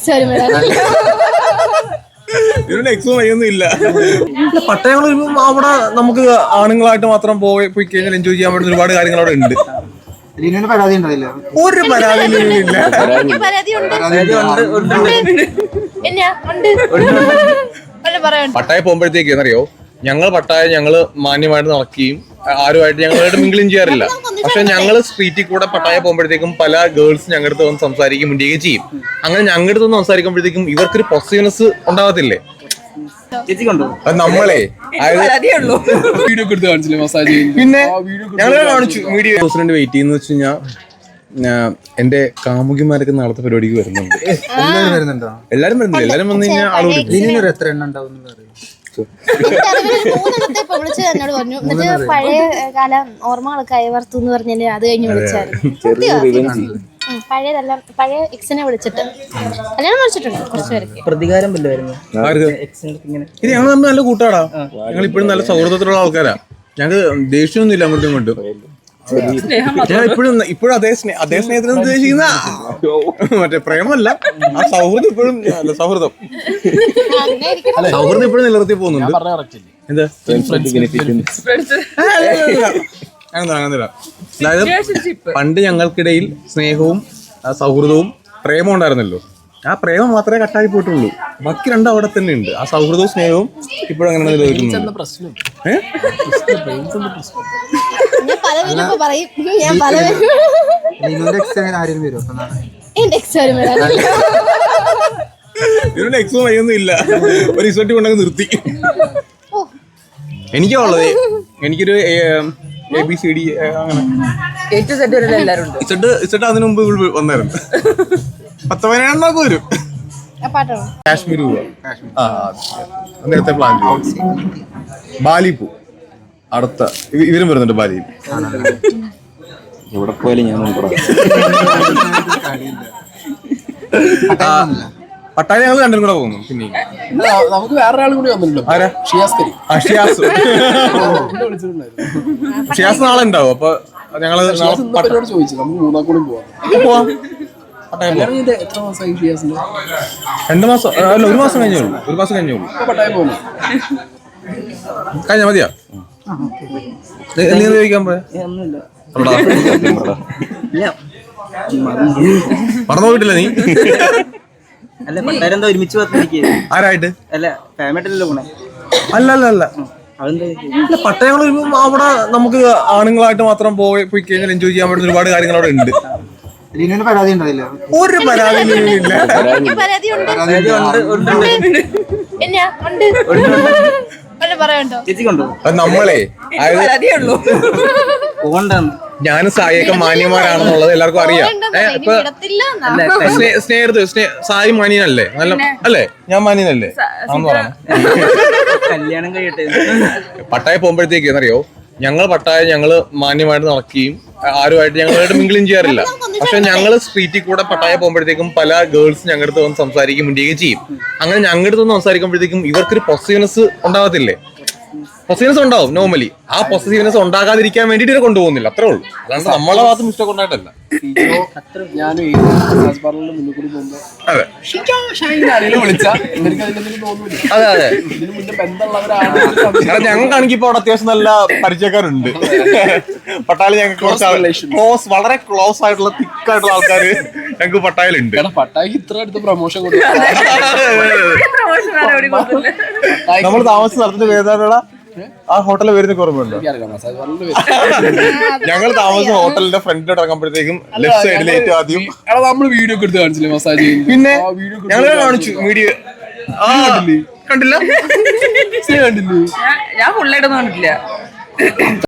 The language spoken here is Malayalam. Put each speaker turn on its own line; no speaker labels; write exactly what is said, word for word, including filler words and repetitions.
പട്ടയങ്ങൾ അവിടെ നമുക്ക് ആണുങ്ങളായിട്ട് മാത്രം പോയി പോയി കഴിഞ്ഞാൽ എൻജോയ് ചെയ്യാൻ പറ്റുന്ന ഒരുപാട് കാര്യങ്ങൾ അവിടെ ഉണ്ട്.
പരാതി ഉണ്ടാവില്ല,
ഒരു പരാതി പട്ടായ പോകുമ്പോഴത്തേക്ക് എന്നറിയോ, ഞങ്ങൾ പട്ടായ ഞങ്ങള് മാന്യമായിട്ട് നടക്കുകയും ആരുമായിട്ട് ഞങ്ങളായിട്ട് മിങ്കിളും ചെയ്യാറില്ല. പക്ഷെ ഞങ്ങൾ സ്ട്രീറ്റിൽ കൂടെ പട്ടായ പോകുമ്പോഴത്തേക്കും പല ഗേൾസ് ഞങ്ങളുടെ അടുത്ത് വന്ന് സംസാരിക്കും, മിണ്ടുകയും ചെയ്യും. അങ്ങനെ ഞങ്ങളുടെ അടുത്ത് വന്ന് സംസാരിക്കുമ്പോഴത്തേക്കും ഇവർക്കൊരു പോസിറ്റീവ്നെസ് ഉണ്ടാവത്തില്ലേ? നമ്മളെ പിന്നെ ഞങ്ങൾ കാണിച്ചു വീഡിയോ പ്രസിഡന്റ് വെയിറ്റ് ചെയ്യുന്ന വെച്ച് കഴിഞ്ഞാൽ എന്റെ കാമുകിമാരൊക്കെ നാളത്തെ പരിപാടിക്ക് വരുന്നുണ്ട്. എല്ലാരും വരുന്നില്ല, എല്ലാരും വന്നു കഴിഞ്ഞാൽ ആളുകൾ
എത്ര എണ്ണം ഉണ്ടാവും?
എന്നോട് പറഞ്ഞു. എന്നിട്ട് പഴയ കാല ഓർമ്മകളൊക്കെ അയവർത്തു എന്ന് പറഞ്ഞാല് അത് കഴിഞ്ഞ് വിളിച്ചായിരുന്നു. പഴയതെല്ലാം പഴയ എക്സിനെ വിളിച്ചിട്ട് കല്യാണം വിളിച്ചിട്ടുണ്ട് കുറച്ചു പേർക്ക്.
പ്രതികാരം വല്ലതായിരുന്നു.
ഇത് ഞങ്ങൾ തമ്മിൽ നല്ല കൂട്ടാടാ, ഞങ്ങൾ ഇപ്പോഴും നല്ല സൗഹൃദത്തിലുള്ള ആൾക്കാരാ. ഞങ്ങൾക്ക് ദേഷ്യമൊന്നും ഇല്ല അങ്ങോട്ടും ഇങ്ങോട്ടും. ഞാൻ ഇപ്പോഴും ഇപ്പോഴും അതേ സ്നേഹ അതേ സ്നേഹത്തിന് ഉദ്ദേശിക്കുന്ന മറ്റേ പ്രേമല്ല, ആ സൗഹൃദം ഇപ്പോഴും സൗഹൃദം സൗഹൃദം ഇപ്പോഴും നിലനിർത്തി പോകുന്നുണ്ട്. എന്താ അങ്ങനെ അതായത് പണ്ട് ഞങ്ങൾക്കിടയിൽ സ്നേഹവും സൗഹൃദവും പ്രേമവും ഉണ്ടായിരുന്നല്ലോ, ആ പ്രേമം മാത്രമേ കട്ടായി പോയിട്ടുള്ളൂ. ബാക്കി രണ്ടും അവിടെ തന്നെ ഉണ്ട്. ആ സൗഹൃദവും സ്നേഹവും ഇപ്പോഴും അങ്ങനെ നിലനിൽക്കുന്നു. ഇതിനൊരു എക്സോ വഴിയൊന്നും ഇല്ല, ഒരു ഇസോട്ടി കൊണ്ടങ്ങ് നിർത്തി. എനിക്കാ ഉള്ളത്, എനിക്കൊരു എ ബി സി ഡി അങ്ങനെ ഇസഡ് ഇസഡ് അതിനു മുമ്പ് വന്നായിരുന്നു. പത്ത് പതിനേഴെണ്ണൊക്കെ വരും. കാശ്മീർ പോവാ, നേരത്തെ പ്ലാൻ ചെയ്യും. ബാലി പോ അടുത്ത ഇവരും വരുന്നുണ്ട് ബാലിയിൽ.
എവിടെ പോയാലും ഞാൻ
പട്ടായ ഞങ്ങൾ രണ്ടും കൂടെ പോകുന്നു. പിന്നെ
നമുക്ക് വേറൊരാളും കൂടി വന്നിട്ടുണ്ടോ?
ആരാ?
ഷിയാസ്.
ഷിയാസ് നാളെ ഉണ്ടാവും. അപ്പൊ ഞങ്ങള്
ചോദിച്ചു നമുക്ക് മൂന്നാം കൂടി
പോവാം.
എത്ര മാസമായി ഷിയാസിന്റെ?
രണ്ടു മാസം അല്ല, ഒരു മാസം കഴിഞ്ഞേ ഉള്ളൂ. ഒരു മാസം കഴിഞ്ഞേ ഉള്ളൂ.
പട്ടായം പോകുന്നു
കഴിഞ്ഞ മതിയാ? നീ ചോദിക്കാൻ പോയാ മറന്നു പോയിട്ടില്ല നീ?
അല്ല പട്ടാരെന്താ ഒരുമിച്ച്
ആരായിട്ട്?
അല്ല ഫാമിലിയല്ലോ പോണേ?
അല്ല അല്ല അല്ല പട്ടയങ്ങൾ അവിടെ നമുക്ക് ആണുങ്ങളായിട്ട് മാത്രം പോയി പോയി കഴിഞ്ഞാൽ എൻജോയ് ചെയ്യാൻ പറ്റുന്ന ഒരുപാട് കാര്യങ്ങൾ അവിടെ ഉണ്ട്.
പരാതി ഉണ്ടാവില്ല, ഒരു
പരാതി നമ്മളെ ഞാനും സായിയൊക്കെ മാന്യന്മാരാണെന്നുള്ളത് എല്ലാവർക്കും അറിയാം. സ്നേഹത്ത് സായി മാന്യനല്ലേ? നല്ല അല്ലേ? ഞാൻ മാന്യനല്ലേ? ആന്ന് പറയണം.
കല്യാണം കഴിയട്ടെ.
പട്ടായ പോകുമ്പോഴത്തേക്ക് എന്നറിയോ, ഞങ്ങൾ പട്ടായ ഞങ്ങള് മാന്യമായിട്ട് നടക്കുകയും ആരുമായിട്ട് ഞങ്ങളായിട്ട് മിങ്കിളും ചെയ്യാറില്ല. പക്ഷെ ഞങ്ങൾ സ്ട്രീറ്റിൽ കൂടെ പട്ടായ പോകുമ്പോഴത്തേക്കും പല ഗേൾസ് ഞങ്ങളുടെ അടുത്ത് വന്ന് സംസാരിക്കും, മിണ്ടുകയും ചെയ്യും. അങ്ങനെ ഞങ്ങളുടെ അടുത്ത് വന്ന് സംസാരിക്കുമ്പോഴത്തേക്കും ഇവർക്കൊരു പോസിറ്റീവ്നെസ് ഉണ്ടാവത്തില്ലേ? പോസിറ്റീവ്നെസ് ഉണ്ടാവും നോർമലി. ആ പോസിറ്റീവ്നെസ് ഉണ്ടാകാതിരിക്കാൻ വേണ്ടിട്ട് ഇവരെ കൊണ്ടുപോകുന്നില്ല, അത്രേ ഉള്ളൂ. അല്ലാണ്ട് നമ്മളെ ഭാഗത്ത് മിസ്റ്റേക്ക് ഉണ്ടായിട്ടല്ല. അതെ അതെ അതെ ഞങ്ങൾക്കാണെങ്കിൽ ഇപ്പൊ അവിടെ അത്യാവശ്യം നല്ല പരിചയക്കാരുണ്ട്. പട്ടാളി ഞങ്ങൾക്ക് കുറച്ച് ക്ലോസ്, വളരെ ക്ലോസ് ആയിട്ടുള്ള തിക്കായിട്ടുള്ള ആൾക്കാർ ഞങ്ങൾക്ക് പട്ടായലുണ്ട്.
പട്ടായ്ക്ക് ഇത്ര അടുത്ത് പ്രൊമോഷൻ
നമ്മൾ താമസിച്ച സ്ഥലത്തിന്റെ വേദനയുള്ള ആ ഹോട്ടലിൽ വരുന്ന ഓർമ്മയുണ്ടോ? ഞങ്ങൾ താമസിച്ച ഹോട്ടലിന്റെ ഫ്രണ്ടിലോട്ട് ഇറങ്ങുമ്പോഴത്തേക്കും ലെഫ്റ്റ് സൈഡിൽ ഏറ്റവും ആദ്യം
നമ്മൾ വീഡിയോ ഒക്കെ എടുത്ത് കാണിച്ചില്ലേ മസാജ്?
പിന്നെ ഞങ്ങൾ കാണിച്ചു വീഡിയോ. കണ്ടില്ല?
കണ്ടില്ലേ?
ഞാൻ ഫുള്ളായിട്ടൊന്നും കണ്ടിട്ടില്ല.